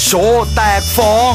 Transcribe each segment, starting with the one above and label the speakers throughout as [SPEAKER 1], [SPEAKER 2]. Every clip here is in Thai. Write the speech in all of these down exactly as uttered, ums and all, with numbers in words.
[SPEAKER 1] โชว์แตกฟอง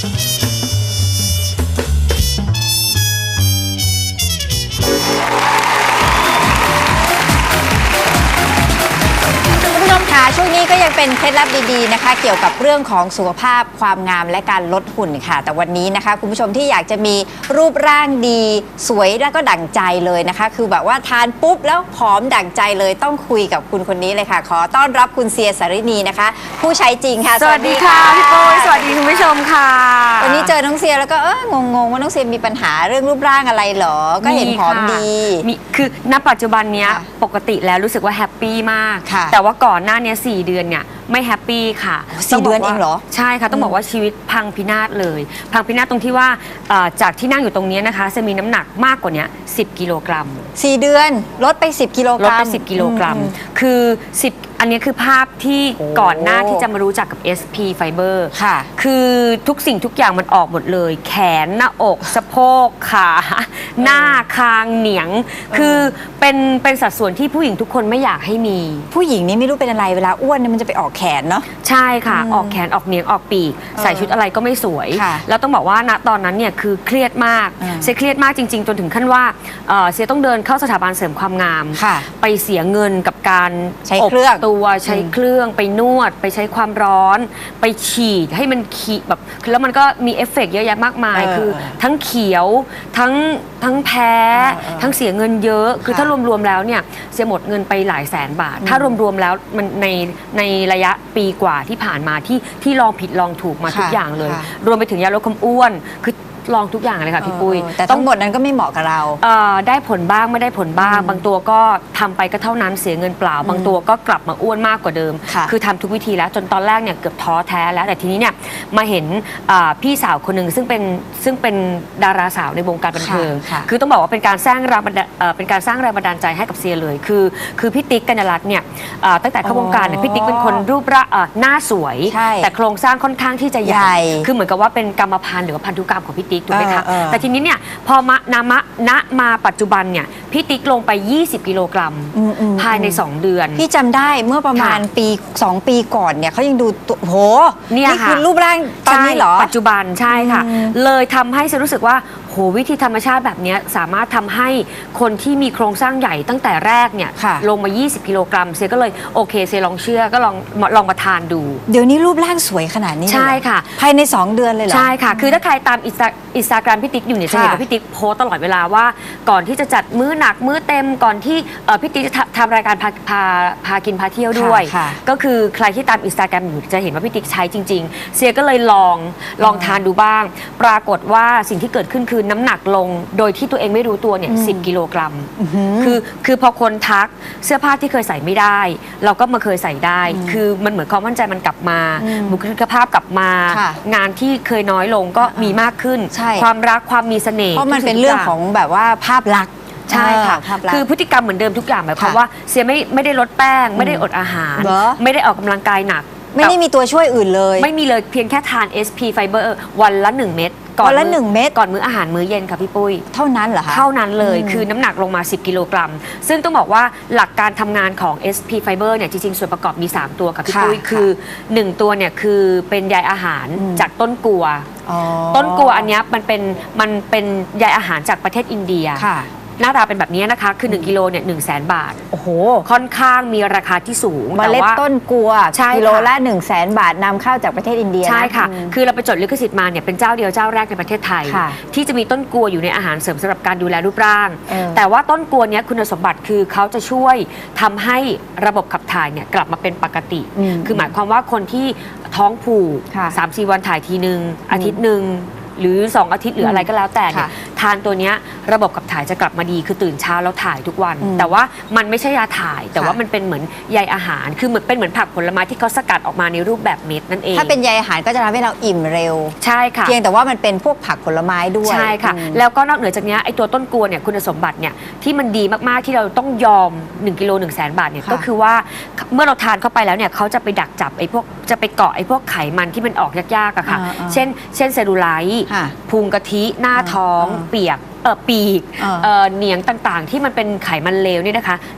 [SPEAKER 2] ช่วงนี้ก็ยังเป็นเคล็ดลับดีๆนะคะเกี่ยวกับเรื่องของสุขภาพความงามและการลดหุ่นค่ะแต่วันนี้นะคะคุณผู้ชมที่อยากจะมีรูปร่างดีสวยแล้วก็ดั่งใจเลยนะคะคือแบบว่าทานปุ๊บแล้วผอมดั่งใจเลยต้องคุยกับคุณคนนี้เลยค่ะขอต้อนรับคุณเซียสารินีนะคะผู้ใช้จริงค่ะ
[SPEAKER 3] สวัสดีค่ะพี่ปุ้ยสวัสดีคุณผู้ชมค่ะ
[SPEAKER 2] วันนี้เจอน้องเซียแล้วก็เอองงๆว่าน้องเซียมีปัญหาเรื่องรูปร่างอะไรเหรอก็เห็นผอมดี
[SPEAKER 3] มีคือณปัจจุบันเนี้ยปกติแล้วรู้สึกว่าแฮปปี้มากแต่ว่าก่อนหน้านี้สี่เดือนเนี่ยไม่แฮปปี้ค่ะ
[SPEAKER 2] สี่เดือนเองเหรอ
[SPEAKER 3] ใช่ค่ะต้องบอกว่าชีวิตพังพินาศเลยพังพินาศตรงที่ว่าจากที่นั่งอยู่ตรงนี้นะคะจะมีน้ำหนักมากกว่านี้สิบกิโลกรัม
[SPEAKER 2] สี่เดือนลดไปสิบกิโลกรัม
[SPEAKER 3] ลดไปสิบกิโลกรัมคือสิบอันนี้คือภาพที่ก่อนหน้าที่จะมารู้จักกับ เอส พี Fiber
[SPEAKER 2] ค่ะ
[SPEAKER 3] คือทุกสิ่งทุกอย่างมันออกหมดเลยแขนหน้าอกสะโพกขาหน้าคางเหนียงคือเป็นเป็นสัดส่วนที่ผู้หญิงทุกคนไม่อยากให้มี
[SPEAKER 2] ผู้หญิงนี่ไม่รู้เป็นอะไรเวลาอ้วนเนี่ยมันจะไปออกแขนเนาะ
[SPEAKER 3] ใช่ค่ะออกแขนออกเหนียงออกปีกใส่ชุดอะไรก็ไม่สวยแล้วต้องบอกว่าณตอนนั้นเนี่ยคือเครียดมากเสียเครียดมากจริงๆจนถึงขั้นว่าเสียต้องเดินเข้าสถาบันเสริมความงามไปเสียเงินกับการ
[SPEAKER 2] ใช้เครื่อง
[SPEAKER 3] ตัวใช้เครื่องไปนวดไปใช้ความร้อนไปฉีดให้มันขีดแบบแล้วมันก็มีเอฟเฟกต์เยอะแยะมากมายคือทั้งเขียวทั้งทั้งแพ้ทั้งเสียเงินเยอะคือถ้ารวมๆแล้วเนี่ยเสียหมดเงินไปหลายแสนบาทถ้ารวมๆแล้วมันในในระยะปีกว่าที่ผ่านมาที่ที่ลองผิดลองถูกมาทุกอย่างเลยรวมไปถึงยาลดความอ้วนคือลองทุกอย่างเลยค่ะพี่ปุ้ย
[SPEAKER 2] แต่ทั้งหมดนั้นก็ไม่เหมาะกับเรา
[SPEAKER 3] ได้ผลบ้างไม่ได้ผลบ้างบางตัวก็ทำไปก็เท่านั้นเสียเงินเปล่าบางตัวก็กลับมาอ้วนมากกว่าเดิมคือทำทุกวิธีแล้วจนตอนแรกเนี่ยเกือบท้อแท้แล้วแต่ทีนี้เนี่ยมาเห็นพี่สาวคนหนึ่งซึ่งเป็นซึ่งเป็นดาราสาวในวงการบันเทิงคือต้องบอกว่าเป็นการสร้างแรงบันดาลเป็นการสร้างแรงบันดาลใจให้กับเซียเลยคือคือพี่ติ๊กกัญญารัตน์เนี่ยตั้งแต่เข้าวงการเนี่ยพี่ติ๊กเป็นคนรูปร่างหน้าสวยแต่โครงสร้างค่อนข้างที่จะใหญ่คือเหมือนกับว่าเป็นกรรมพันธุ์หรือว่าพันธุกรรมของพี่ติ๊กถูกไหมคะแต่ทีนี้เนี่ยพอมานามะณมาปัจจุบันเนี่ยพี่ติ๊กลงไปยี่สิบกิโลกรัมภายในสองเดือน
[SPEAKER 2] พี่จำได้เมื่อประมาณปีสองปีก่อนเนี่ยเขายังดูโห
[SPEAKER 3] นี่
[SPEAKER 2] คือรูปร่างตอนนี้เหรอ
[SPEAKER 3] ปัจจุบันใช่ค่ะเลยทำให้ฉันรู้สึกว่าโหวิธีธรรมชาติแบบนี้สามารถทำให้คนที่มีโครงสร้างใหญ่ตั้งแต่แรกเนี่ยลงมายี่สิบกิโลกรัมเซก็เลยโอเคเซลองเชื่อก็ลองลองมาทานดู
[SPEAKER 2] เดี๋ยวนี้รูปร่างสวยขนาดนี้
[SPEAKER 3] ใช่ค่ะ
[SPEAKER 2] ภายในสองเดือนเลยเหรอ
[SPEAKER 3] ใช่ค่ะคือถ้าใครตามอินสตาแกรมพี่ติ๊กอยู่เนี่ยจะเห็นว่าพี่ติ๊กโพสตลอดเวลาว่าก่อนที่จะจัดมื้อหนักมื้อเต็มก่อนที่พี่ติ๊กจะทำรายการพาพาพากินพาเที่ยวด้วยก็คือใครที่ตามอินสตาแกรมอยู่จะเห็นว่าพี่ติ๊กใช้จริงๆเซียก็เลยลองลองทานดูบ้างปรากฏว่าสิ่งที่เกิดขึ้นคือน้ำหนักลงโดยที่ตัวเองไม่รู้ตัวเนี่ยสิบกิโลกรัมคือคือพอคนทักเสื้อผ้าที่เคยใส่ไม่ได้เราก็มาเคยใส่ได้คือมันเหมือนความมั่นใจมันกลับมาบุคลิกภาพกลับมางานที่เคยน้อยลงก็มีมากขึ้นความรักความมีเสน่ห์
[SPEAKER 2] เพราะมันเป็นเรื่องของแบบว่าภาพลักษณ์
[SPEAKER 3] ใช่ค่ะคือพฤติกรรมเหมือนเดิมทุกอย่างหมายความว่าเสียไม่ไม่ได้ลดแป้งไม่ได้อดอาหารไม่ได้ออกกำลังกายหนัก
[SPEAKER 2] ไม่ได้มีตัวช่วยอื่นเลย
[SPEAKER 3] ไม่มีเลยเพียงแค่ทาน เอส พี Fiber วันละหนึ่งเม็ด
[SPEAKER 2] วันละหนึ่งเม็ด
[SPEAKER 3] ก่อนมื้ออาหารมื้อเย็นค่ะพี่ปุ้ย
[SPEAKER 2] เท่านั้นเหรอคะ
[SPEAKER 3] เท่านั้นเลยคือน้ำหนักลงมาสิบกิโลกรัมซึ่งต้องบอกว่าหลักการทำงานของ เอส พี Fiber เนี่ยจริงๆส่วนประกอบมีสามตัวค่ะพี่ปุ้ยคือหนึ่งตัวเนี่ยคือเป็นใยอาหารจากต้นกัวต้นกัวอันนี้มันเป็นมันเป็นใยอาหารจากประเทศอินเดียหน้าตาเป็นแบบนี้นะคะคือหนึ่งกิโลเนี่ยหนึ่งแสนบาท
[SPEAKER 2] โอ้โห
[SPEAKER 3] ค่อนข้างมีราคาที่สูง
[SPEAKER 2] เมล็ดต้นกัวกิโลละหนึ่งแสนบาทนำเข้าจากประเทศอินเดีย
[SPEAKER 3] ใช่ค่ะคือเราไปจดลิขสิทธิ์มาเนี่ยเป็นเจ้าเดียวเจ้าแรกในประเทศไทยที่จะมีต้นกัวอยู่ในอาหารเสริมสำหรับการดูแลรูปร่างแต่ว่าต้นกัวนี้คุณสมบัติคือเขาจะช่วยทำให้ระบบขับถ่ายเนี่ยกลับมาเป็นปกติคือหมายความว่าคนที่ท้องผูก สามสี่ วันถ่ายทีนึงอาทิตย์หนึ่งหรือสองอาทิตย์หรืออะไรก็แล้วแต่เนี่ยทานตัวนี้ระบบขับถ่ายจะกลับมาดีคือตื่นเช้าแล้วถ่ายทุกวันแต่ว่ามันไม่ใช่ยาถ่ายแต่ว่ามันเป็นเหมือนใยอาหารคือเหมือนเป็นเหมือนผักผลไม้ที่เขาสกัดออกมาในรูปแบบเม็ดนั่นเอง
[SPEAKER 2] ถ้าเป็นใยอาหารก็จะทำให้เราอิ่มเร็ว
[SPEAKER 3] ใช่ค่ะ
[SPEAKER 2] เพียงแต่ว่ามันเป็นพวกผักผลไม้ด้วย
[SPEAKER 3] ใช่ค่ะแล้วก็นอกเหนือจากนี้ไอ้ตัวต้นกัวเนี่ยคุณสมบัติเนี่ยที่มันดีมากๆที่เราต้องยอมหนึ่งกิโลหนึ่งแสนบาทเนี่ยก็คือว่าเมื่อเราทานเข้าไปแล้วเนี่ยเขาจะไปดักจับไอ้พวกจะไปเกาะไอ้พวกไขมันที่มันออกยากๆอะค่ะเช่นเช่นเซลลูไลท์พุงกะทิหน้าท้องเปียกเออปีกเออเหนียงต่างๆที่มันเป็นไขมันเลวนี่นะคะจะ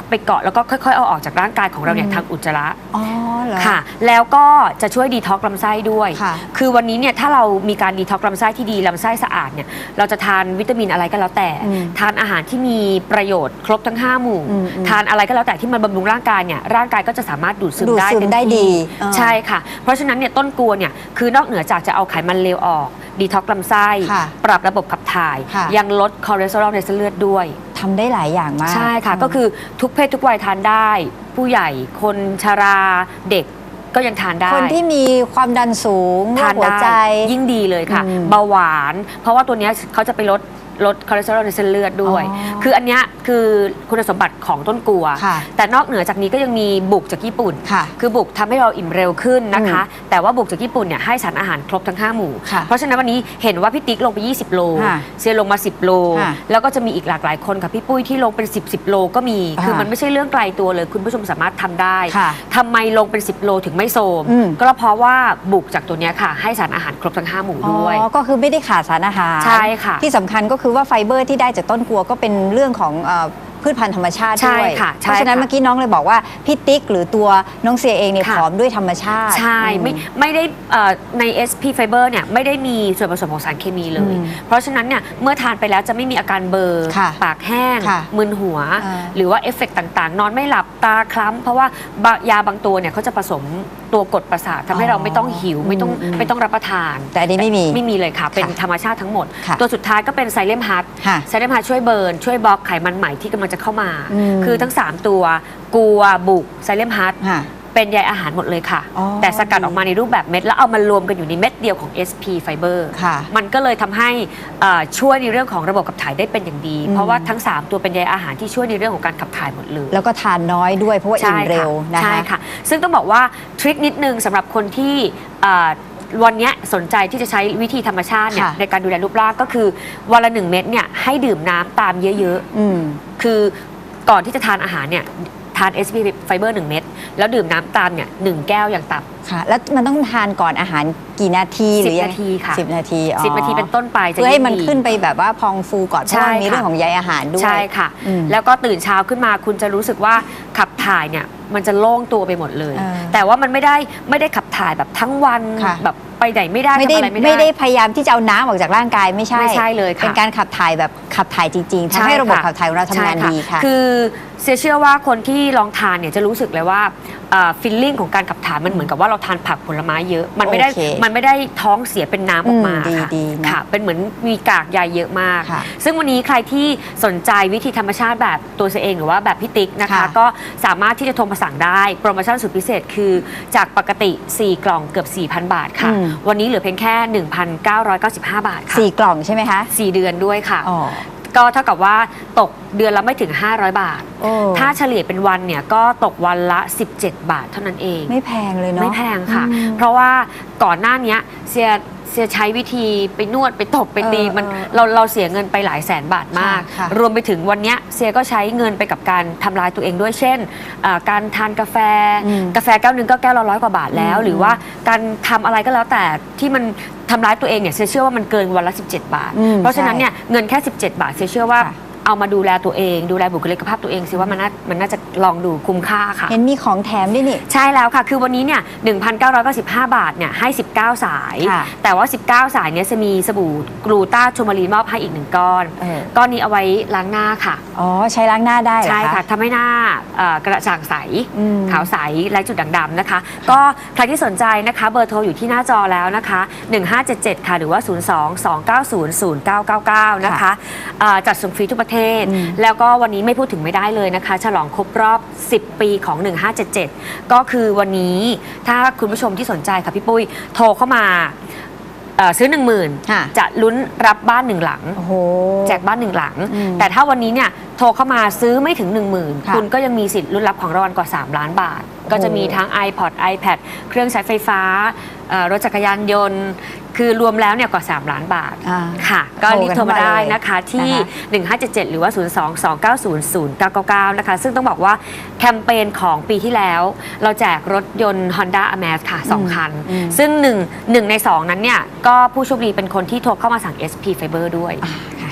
[SPEAKER 3] ไปเกาะแล้วก็ค่อยๆเอาออกจากร่างกายของเราเนี่ยทางอุจจาระ
[SPEAKER 2] อ๋อเหรอ
[SPEAKER 3] ค่ะแล้วก็จะช่วยดีท็อกซ์ลำไส้ด้วย
[SPEAKER 2] ค่ะ
[SPEAKER 3] คือวันนี้เนี่ยถ้าเรามีการดีท็อกซ์ลำไส้ที่ดีลำไส้สะอาดเนี่ยเราจะทานวิตามินอะไรก็แล้วแต่
[SPEAKER 2] อืม
[SPEAKER 3] ทานอาหารที่มีประโยชน์ครบทั้งห้าหมู่
[SPEAKER 2] อืมอืม
[SPEAKER 3] ทานอะไรก็แล้วแต่ที่มันบำรุงร่างกายเนี่ยร่างกายก็จะสามารถดูดซึม
[SPEAKER 2] ดูด
[SPEAKER 3] ได้
[SPEAKER 2] ซึม
[SPEAKER 3] เต็ม
[SPEAKER 2] ได้
[SPEAKER 3] ที่
[SPEAKER 2] ดีอ่า
[SPEAKER 3] ใช่ค่ะเพราะฉะนั้นเนี่ยต้นกลัวเนี่ยคือนอกเหนือจากจะเอาไขมันเลวออกดีท็อกซ์ลำไส้
[SPEAKER 2] ค่ะ
[SPEAKER 3] ปรับระบบขับถ่าย
[SPEAKER 2] ค่ะ
[SPEAKER 3] ยังลดคอเลสเตอรอลในเส้นเลือดด้วย
[SPEAKER 2] ทำได้หลายอย่างมาก
[SPEAKER 3] ใช่ค่ะ ก็คือทุกเพศทุกวัยทานได้ ผู้ใหญ่คนชราเด็กก็ยังทานได้
[SPEAKER 2] คนที่มีความดันสูง
[SPEAKER 3] ทาน
[SPEAKER 2] หัว
[SPEAKER 3] ได้
[SPEAKER 2] ใจ
[SPEAKER 3] ยิ่งดีเลยค่ะ
[SPEAKER 2] อืม
[SPEAKER 3] เบาหวาน เพราะว่าตัวเนี้ยเขาจะไปลดลดคอเลสเตอรอลในเส้นเลือดด้วย
[SPEAKER 2] อ๋อ
[SPEAKER 3] คืออันเนี้ยคือคุณสมบัติของต้นกัว
[SPEAKER 2] ค่ะ
[SPEAKER 3] แต่นอกเหนือจากนี้ก็ยังมีบุกจากญี่ปุ่น
[SPEAKER 2] ค่ะ
[SPEAKER 3] คือบุกทำให้เราอิ่มเร็วขึ้นนะคะ แต่ว่าบุกจากญี่ปุ่นเนี่ยให้สารอาหารครบทั้งห้าหมู่
[SPEAKER 2] ค่ะ
[SPEAKER 3] เพราะฉะนั้นวันนี้เห็นว่าพี่ติ๊กลงไปยี่สิบโล
[SPEAKER 2] ค่ะ
[SPEAKER 3] เซียลงมาสิบโล
[SPEAKER 2] ค่ะ
[SPEAKER 3] แล้วก็จะมีอีกหลากหลายคนค่ะพี่ปุ้ยที่ลงเป็นสิบ สิบโลก็มี คือ
[SPEAKER 2] ค่ะ
[SPEAKER 3] มันไม่ใช่เรื่องไกลตัวเลย คุณผู้ชมสามารถทำได้
[SPEAKER 2] ค่ะ
[SPEAKER 3] ทำไมลงเป็นสิบโลถึงไม่โทรม
[SPEAKER 2] อืม
[SPEAKER 3] ก็เพราะว่าบุกจากตัวเนี้ยค่ะ ให้สารอาหารครบทั้งห้าหมู่ด้วย
[SPEAKER 2] อ๋อ ก็คือไม่ได้ขาดสารอาหาร
[SPEAKER 3] ใช่ค่ะ
[SPEAKER 2] ที่สำคัญก็คือว่าไฟเบอร์ที่ได้จากต้นกัวก็เป็นเรื่องของเอ่อพืชพันธุ์ธรรมชาติ
[SPEAKER 3] ใช่
[SPEAKER 2] ด้วย
[SPEAKER 3] ค่ะใช่
[SPEAKER 2] เพราะฉะนั้น
[SPEAKER 3] ค่ะ
[SPEAKER 2] เมื่อกี้น้องเลยบอกว่าพี่ติ๊กหรือตัวน้องเสียเองเนี่ย
[SPEAKER 3] ค่ะ
[SPEAKER 2] ผอมด้วยธรรมชาติ
[SPEAKER 3] ใช่
[SPEAKER 2] อืม
[SPEAKER 3] ไม่ไม่ได้เอ่อใน เอส พี Fiber เนี่ยไม่ได้มีส่วนผสมของสารเคมีเลย
[SPEAKER 2] อืม
[SPEAKER 3] เพราะฉะนั้นเนี่ยเมื่อทานไปแล้วจะไม่มีอาการเบลอร์
[SPEAKER 2] ค่ะ
[SPEAKER 3] ปากแห้ง
[SPEAKER 2] ค่ะ
[SPEAKER 3] มึนหัว
[SPEAKER 2] อ่า
[SPEAKER 3] หรือว่าเอฟเฟกต์ต่างๆ นอนไม่หลับตาคล้ำ เพราะว่าบะยาบางตัวเนี่ยเขาจะผสมตัวกดประสาททำให้เราไม่ต้องหิวไม่ต้อง
[SPEAKER 2] อืม
[SPEAKER 3] ไม่ต้องรับประทาน
[SPEAKER 2] แต่อันนี้ไม่มี
[SPEAKER 3] ไม่มีเลยค่ะ เป็นธรรมชาติทั้งหมด
[SPEAKER 2] ค่ะ
[SPEAKER 3] ตัวสุดท้ายก็เป็นไซเลมฮัท
[SPEAKER 2] ค่ะ
[SPEAKER 3] ไซเลมฮัทช่วยเบิร์นช่วยบล็อกไขมันใหม่ที่กำลังจะเข้ามา
[SPEAKER 2] อืม
[SPEAKER 3] คือทั้งสามตัวกัวบุกไซเลมฮัท
[SPEAKER 2] ค่ะ
[SPEAKER 3] เป็นใยอาหารหมดเลยค่ะ
[SPEAKER 2] อ๋อ
[SPEAKER 3] แต่สกัดออกมาในรูปแบบเม็ด แล้วเอามารวมกันอยู่ในเม็ดเดียวของ เอส พี Fiber
[SPEAKER 2] ค่ะ
[SPEAKER 3] มันก็เลยทำให้เอ่อช่วยในเรื่องของระบบขับถ่ายได้เป็นอย่างดี
[SPEAKER 2] อืม
[SPEAKER 3] เพราะว่าทั้ง สาม ตัวเป็นใยอาหารที่ช่วยในเรื่องของการขับถ่ายหมดเลย
[SPEAKER 2] แล้วก็ทานน้อยด้วยเพราะว่าอิ่มเร็วนะ
[SPEAKER 3] ใช่
[SPEAKER 2] คะ
[SPEAKER 3] ค่ะ ซึ่งต้องบอกว่าทริคนิดนึงสำหรับคนที่เอ่อวันเนี้ยสนใจที่จะใช้วิธีธรรมชาติเนี่ย
[SPEAKER 2] ค่ะ
[SPEAKER 3] ในการดูแลรูปร่างก็คือวันละหนึ่งเม็ดเนี่ยให้ดื่มน้ำตามเยอะ
[SPEAKER 2] อืม
[SPEAKER 3] ๆ คือก่อนที่จะทานอาหารเนี่ยทาน เอส พี Fiber หนึ่งเม็ดแล้วดื่มน้ำตามเนี่ยหนึ่งแก้วอย่างต่ำ
[SPEAKER 2] ค่ะ แล้วมันต้องทานก่อนอาหารกี่นาทีห
[SPEAKER 3] สิ
[SPEAKER 2] รื
[SPEAKER 3] บ
[SPEAKER 2] อยัง
[SPEAKER 3] นาทีค่ะ
[SPEAKER 2] สิบนาทีอ๋อ
[SPEAKER 3] สิบนาทีเป็นต้นไปจะ
[SPEAKER 2] เพื่อให้มัน
[SPEAKER 3] ยิ่งดี
[SPEAKER 2] ขึ้นไปแบบว่าพองฟูก่อนเพ
[SPEAKER 3] ใช่
[SPEAKER 2] ราะว่ามี
[SPEAKER 3] ค่ะ
[SPEAKER 2] เรื่องของใยอาหารด้วย
[SPEAKER 3] ใช่ค่ะ
[SPEAKER 2] อืม
[SPEAKER 3] แล้วก็ตื่นเช้าขึ้นมาคุณจะรู้สึกว่าขับถ่ายเนี่ยมันจะโล่งตัวไปหมดเลย
[SPEAKER 2] เออ
[SPEAKER 3] แต่ว่ามันไม่ได้ไม่ได้ขับถ่ายแบบทั้งวัน
[SPEAKER 2] ค่ะ
[SPEAKER 3] แบบไปไหนไม่ได้
[SPEAKER 2] ไม่ได้
[SPEAKER 3] ทำอะไรไม่
[SPEAKER 2] ไม่ได้
[SPEAKER 3] ได้
[SPEAKER 2] พยายามที่จะเอาน้ำออกจากร่างกายไม่ใช่
[SPEAKER 3] ไม่ใช่เลยค่ะ
[SPEAKER 2] เป็นการขับถ่ายแบบขับถ่ายจริงๆทำให้ระบบขับถ่ายของเราทำงาน
[SPEAKER 3] ใช่
[SPEAKER 2] ดีค่ะ
[SPEAKER 3] คือเสียเชื่อว่าคนที่ลองทานเนี่ยจะรู้สึกเลยว่าฟิลลิ่งของการขับถ่ายมันเหมือนกับว่าเราทานผักผลไม้เยอะ มันไม่ได้
[SPEAKER 2] โอเค
[SPEAKER 3] มันไม่ได้ท้องเสียเป็นน้ำออกมา
[SPEAKER 2] อืมดี
[SPEAKER 3] ค่ะ
[SPEAKER 2] ดีนะ
[SPEAKER 3] ค่ะ เป็นเหมือนมีกากใยเยอะมาก
[SPEAKER 2] ค่ะ
[SPEAKER 3] ซึ่งวันนี้ใครที่สนใจวิธีธรรมชาติแบบตัวเองหรือว่าแบบพี่ติ๊กนะคะ
[SPEAKER 2] ค่ะ
[SPEAKER 3] ก็สามารถที่จะโทรมาสั่งได้โปรโมชั่นสุดพิเศษคือจากปกติสี่กล่องเกือบ สี่พัน บาทค่ะ
[SPEAKER 2] อืม
[SPEAKER 3] วันนี้เหลือเพียงแค่ หนึ่งพันเก้าร้อยเก้าสิบห้า บาทค่ะ
[SPEAKER 2] สี่กล่องใช่ไหมคะ
[SPEAKER 3] สี่เดือนด้วยค่ะ
[SPEAKER 2] อ๋อ
[SPEAKER 3] ก็เท่ากับว่าตกเดือนละไม่ถึง ห้าร้อย บาท
[SPEAKER 2] โอ้
[SPEAKER 3] ถ้าเฉลี่ยเป็นวันเนี่ยก็ตกวันละ สิบเจ็ด บาทเท่านั้นเอง
[SPEAKER 2] ไม่แพงเลยเนาะ
[SPEAKER 3] ไม่แพงค่ะ
[SPEAKER 2] อืม
[SPEAKER 3] เพราะว่าก่อนหน้าเนี้ยเสียเสียใช้วิธีไปนวดไปตบไปตี
[SPEAKER 2] เออ
[SPEAKER 3] มัน
[SPEAKER 2] เออ
[SPEAKER 3] เราเราเสียเงินไปหลายแสนบาทมาก
[SPEAKER 2] ค่ะค่ะ
[SPEAKER 3] รวมไปถึงวันเนี้ยเสียก็ใช้เงินไปกับการทำลายตัวเองด้วยเช่นอ่าการทานกาแฟ
[SPEAKER 2] อืม
[SPEAKER 3] กาแฟแก้วหนึ่งก็แก้วละร้อยกว่าบาทแล้ว
[SPEAKER 2] อืม
[SPEAKER 3] หรือว่าการทำอะไรก็แล้วแต่ที่มันทำร้ายตัวเองเนี่ยเสียเชื่อว่ามันเกินวันละสิบเจ็ด บาท
[SPEAKER 2] อืม
[SPEAKER 3] เพราะฉะนั้น
[SPEAKER 2] ใช่
[SPEAKER 3] เนี่ยเงินแค่ สิบเจ็ด บาทเสียเชื่อว่า
[SPEAKER 2] ค่ะ
[SPEAKER 3] เอามาดูแลตัวเองดูแลบุคลิกภาพตัวเองสิว่ามันน่ามันน่าจะลองดูคุ้มค่าค่ะ
[SPEAKER 2] เห็นมีของแถมด้วยนี่
[SPEAKER 3] ใช่แล้วค่ะ คือวันนี้เนี่ย หนึ่งพันเก้าร้อยเก้าสิบห้า บาทเนี่ยให้ สิบเก้า สาย
[SPEAKER 2] ค่ะ
[SPEAKER 3] แต่ว่า สิบเก้า สายเนี่ยจะมีสบู่กลูต้าชูมารีนมอบให้อีกหนึ่งก้อน
[SPEAKER 2] เออ
[SPEAKER 3] ก้อนนี้เอาไว้ล้างหน้าค่ะ
[SPEAKER 2] อ๋อใช้ล้างหน้าได้เหรอ
[SPEAKER 3] ใช่
[SPEAKER 2] คะ
[SPEAKER 3] ค่ะทำให้หน้าเอ่อกระจ่างใส
[SPEAKER 2] อืม
[SPEAKER 3] ขาวใสไร้จุดด่างดำนะคะ ก็ใครที่สนใจนะคะเบอร์โทรอยู่ที่หน้าจอแล้วนะคะหนึ่งห้าเจ็ดเจ็ดค่ะหรือว่า ศูนย์ สอง สอง เก้า ศูนย์ ศูนย์ เก้า เก้า เก้า นะคะเอ่อจัดส่งฟรีทุกประเทศ
[SPEAKER 2] อืม
[SPEAKER 3] แล้วก็วันนี้ไม่พูดถึงไม่ได้เลยนะคะ ฉลองครบรอบ สิบ ปีของ หนึ่งห้าเจ็ดเจ็ด ก็คือวันนี้ถ้าคุณผู้ชมที่สนใจค่ะพี่ปุ้ยโทรเข้ามาเอ่อซื้อ หนึ่งหมื่น
[SPEAKER 2] ค่ะ
[SPEAKER 3] จะลุ้นรับบ้านหนึ่งหลัง
[SPEAKER 2] โอ้โห
[SPEAKER 3] แจกบ้านหนึ่งหลัง
[SPEAKER 2] อืม
[SPEAKER 3] แต่ถ้าวันนี้เนี่ยโทรเข้ามาซื้อไม่ถึง หนึ่งหมื่น
[SPEAKER 2] ค่ะ
[SPEAKER 3] คุณก็ยังมีสิทธิ์ลุ้นรับของรางวัลกว่า สาม ล้านบาท ก็จะมีทั้ง iPod iPad เครื่องใช้ไฟฟ้าเอ่อรถจักรยานยนต์ คือรวมแล้วเนี่ยกว่า สาม ล้านบาท
[SPEAKER 2] อ่า
[SPEAKER 3] ค่ะ ก็รีบโทรมาได้
[SPEAKER 2] โทรกันเข้ามาเลย
[SPEAKER 3] นะคะที่
[SPEAKER 2] นะคะ
[SPEAKER 3] หนึ่งห้าเจ็ดเจ็ด หรือว่า ศูนย์ สอง สอง เก้า ศูนย์ ศูนย์ เก้า เก้า เก้า นะคะ ซึ่งต้องบอกว่าแคมเปญของปีที่แล้ว เราแจกรถยนต์ Honda Amaze ค่ะสองคัน
[SPEAKER 2] อืม
[SPEAKER 3] ซึ่งหนึ่งหนึ่งในสองนั้นเนี่ยก็ผู้โชคดีเป็นคนที่โทรเข้ามาสั่ง เอส พี Fiber ด้วย
[SPEAKER 2] อ่าค่ะ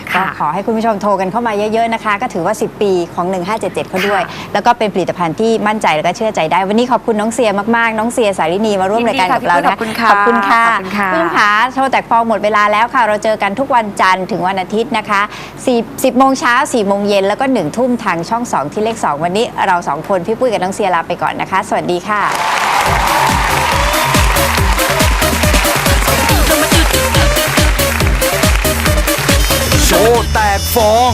[SPEAKER 2] ก็
[SPEAKER 3] ค่ะ
[SPEAKER 2] ขอให้คุณผู้ชมโทรกันเข้ามาเยอะๆนะคะ ก็ถือว่า สิบ ปีของ หนึ่งห้าเจ็ดเจ็ดเขาด้วย แล้วก็เป็นผลิตภัณฑ์ที่มั่นใจแล้วก็เชื่อใจได้วันนี้ขอบคุณน้องเสียมากๆน้องเสียสารินีมาร่วมรายการกับเรานะ
[SPEAKER 3] ขอบคุณค่ะ
[SPEAKER 2] ขอบคุณค่ะ
[SPEAKER 3] ขอบคุณค่ะ
[SPEAKER 2] ณผู้ชมคะโชว์แตกฟองหมดเวลาแล้วค่ะ เราเจอกันทุกวันจันทร์ถึงวันอาทิตย์นะคะ10โมงเช้าสี่โมงเย็นแล้วก็หนึ่งทุ่มทางช่องสองที่เลขสองวันนี้เราสองคนพี่ปุ้ยกับน้องเสียลาไปก่อนนะคะ สวัสดีค่ะ
[SPEAKER 1] โชว์แตกฟอง